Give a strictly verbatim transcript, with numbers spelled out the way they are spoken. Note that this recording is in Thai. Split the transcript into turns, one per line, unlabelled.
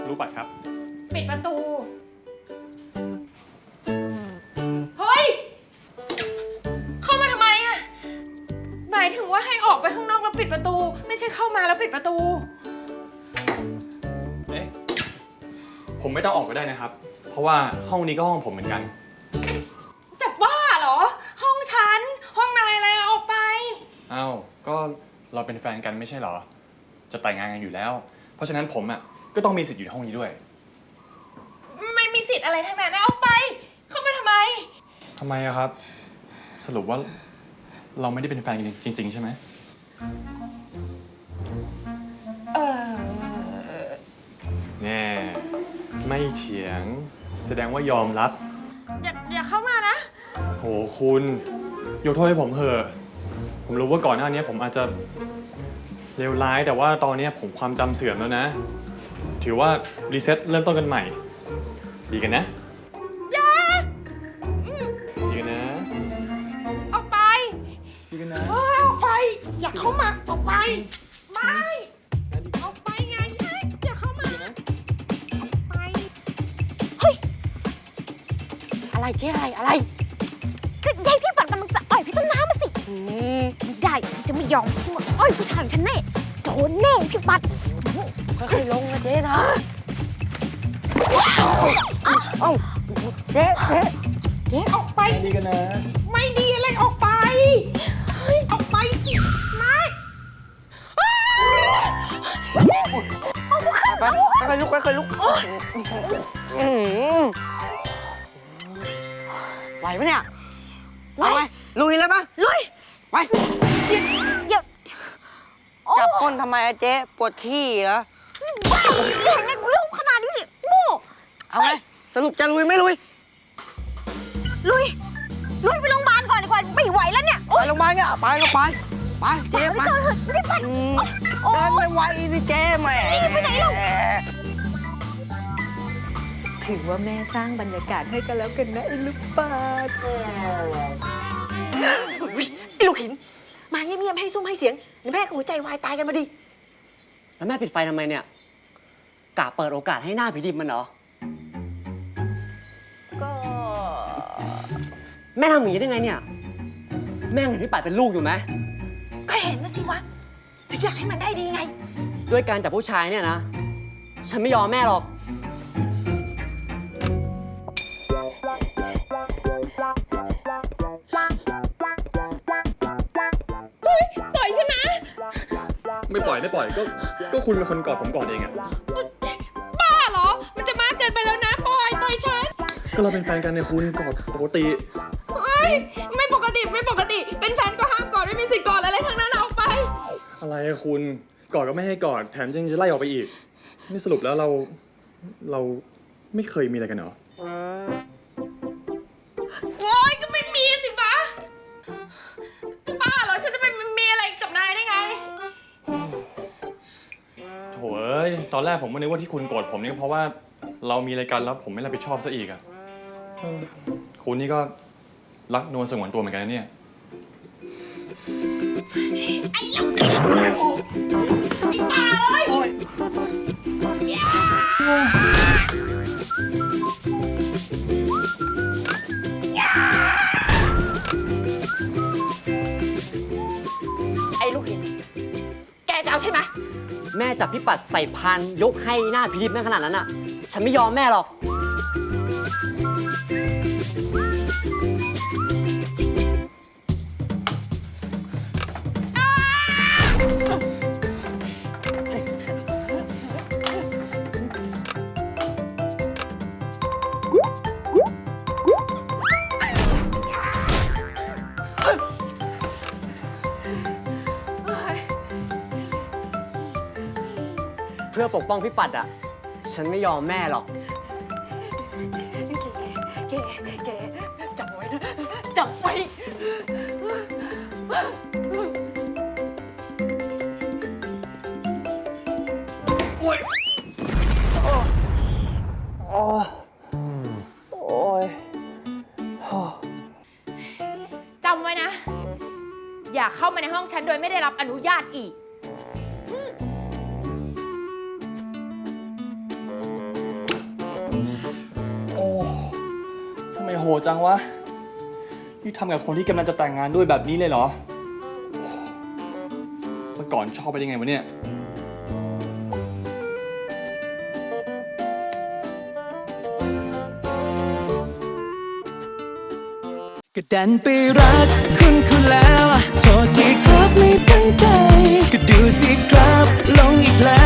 รู้ปัดครับ
ปิดประตูเฮ้ยเข้ามาทำไมอะหมายถึงว่าให้ออกไปข้างนอกแล้วปิดประตูไม่ใช่เข้ามาแล้วปิดประตู
เอ๊ะผมไม่ต้องออกก็ได้นะครับเพราะว่าห้องนี้ก็ห้องผมเหมือนกัน
จะบ้าเหรอห้องฉันห้องนายอะไรออกไป
อ้าวก็เราเป็นแฟนกันไม่ใช่เหรอจะแต่งงานกันอยู่แล้วเพราะฉะนั้นผมอ่ะก็ต้องมีสิทธิ์อยู่ในห้องนี้ด้วย
ไม่มีสิทธิ์อะไรทั้งนั้นนะออกไปเข้ามาทำไม
ทำไมอะครับสรุปว่าเราไม่ได้เป็นแฟนกันจริงๆใช่ไหม
เออ
แน่ไม่เถียงแสดงว่ายอมรับ
อย่าอย่าเข้ามานะ
โหคุณยกโทษให้ผมเถอะผมรู้ว่าก่อนหน้านี้ผมอาจจะเลวร้ายแต่ว่าตอนนี้ผมความจำเสื่อมแล้วนะถือว่ารีเซ็ตเริ่มต้นกันใหม่ดีกันนะ
อย่า
ดีกันนะ
ออกไป
ดีกันนะ
เฮ้ยออกไปอย่าเข้ามาออกไปไม่ออกไปไงอย่าเข้ามาออกไป
เฮ้ยอะไรเจ๊อะไรอะไรก็ยายพี่ปัดมันจะอ่อยพี่ต้นน้ำมาสิไม่ได้ฉันจะไม่ยอมพูดอ่อยผู้ชายของฉันแน่โดนแน่พี่ปัดค่อยๆลงนะเจ๊นะเอ้าเจ๊เจ๊เจ๊
ออกไป
ดีกันนะ
ไม่ดีอะไรออกไปเฮ้ยออกไปสิไม่
ไปไปลุกไปลุกไหวไหมเนี่ยไหวไหมลุยเลยปะลุยไปเดี๋ยวจับก้นทำไมเจ๊ปวดขี้เหรอขี้บ้าเห็นไงลูกขนาดนี้โง่เอาไงสรุปจะลุยไม่ลุยลุยลุยไปโรงพยาบาลก่อนดีกว่าไม่ไหวแล้วเนี่ยไปโรงพยาบาลเนี่ยไปก็ไปไปเจ๊ไปไม่ไปเดินไม่ไหวสิเจ๊แม่ไปไหนลูก
ถือว่าแม่สร้างบรรยากาศให้กันแล้วกันนะไอ้ลูกปาด
ไอ้ลูกหินมาเงียบๆให้ซุ้มให้เสียงเดี๋ยวแม่กับหัวใจวายตายกันมาดิ
แล้วแม่ปิดไฟทำไมเนี่ยกะเปิดโอกาสให้หน้าผีดิบมันเหรอ
ก็
แม่ทำอย่างนี้ได้ไงเนี่ยแม่เห็นพี่ปัดเป็นลูกอยู่ไหม
ก็เห็นนะสิวะถึงอยากให้มันได้ดีไง
ด้วยการจับผู้ชายเนี่ยนะฉันไม่ยอมแม่หรอก
ปล่อยฉันนะ
ไม่ปล่อยไม่ปล่อยก็ก็คุณเป็นคนกอดผมก่อนเองอะ
บ้าเหรอมันจะมากเกินไปแล้วนะปล่อยปล่อยฉัน
ก็เราเป็นแฟนกันเนี่ยคุณกอดปกติ
เฮ้ยไม่ปกติไม่ปกติเป็นแฟนก็ห้ามกอดไม่มีสิทธิ์กอดอะไรทั้งนั้นออกไป
อะไรอะคุณกอดก็ไม่ให้กอดแถมยังจะไล่ออกไปอีกนี่สรุปแล้วเราเราไม่เคยมีอะไรกันเหรอ
โอ๊ยก็ไม่มีสิปะจะบ้าเหรอฉันจะไปมีอะไรกับนายได้ไง
โถ่เอ้ยตอนแรกผมก็นึกว่าที่คุณโกรธผมนี่เพราะว่าเรามีอะไรกันแล้วผมไม่รับผิดชอบซะอีกอะคุณนี่ก็รักนวลสงวนตัวเหมือนกันนะเนี่ย
ไอ้ลูกไอ้บ้าเอ้ยไอ้ลูกหินแกจะเอาใช่ไหม
แม่จับพี่ปัดใส่พานยกให้หน้าผีดิบนั่นขนาดนั้นอ่ะฉันไม่ยอมแม่หรอกเพื่อปกป้องพี่ปัดอ่ะฉันไม่ยอมแม่หรอก
แกแกจับไว้นะจับไว้
โอ๊ยโอ้โอ้ย
จำไว้นะอย่าเข้ามาในห้องฉันโดยไม่ได้รับอนุญาตอีก
โอ้ทำไมโหดจังวะ นี่ทำกับคนที่กำลังจะแต่งงานด้วยแบบนี้เลยเหรอเมื่อก่อนชอบไปได้ไงวะเนี่ย
ก็ดันไปรักคุณคุณแล้วโทษทีครับไม่ตั้งใจ ก็ดูสิครับลงอีกแล้ว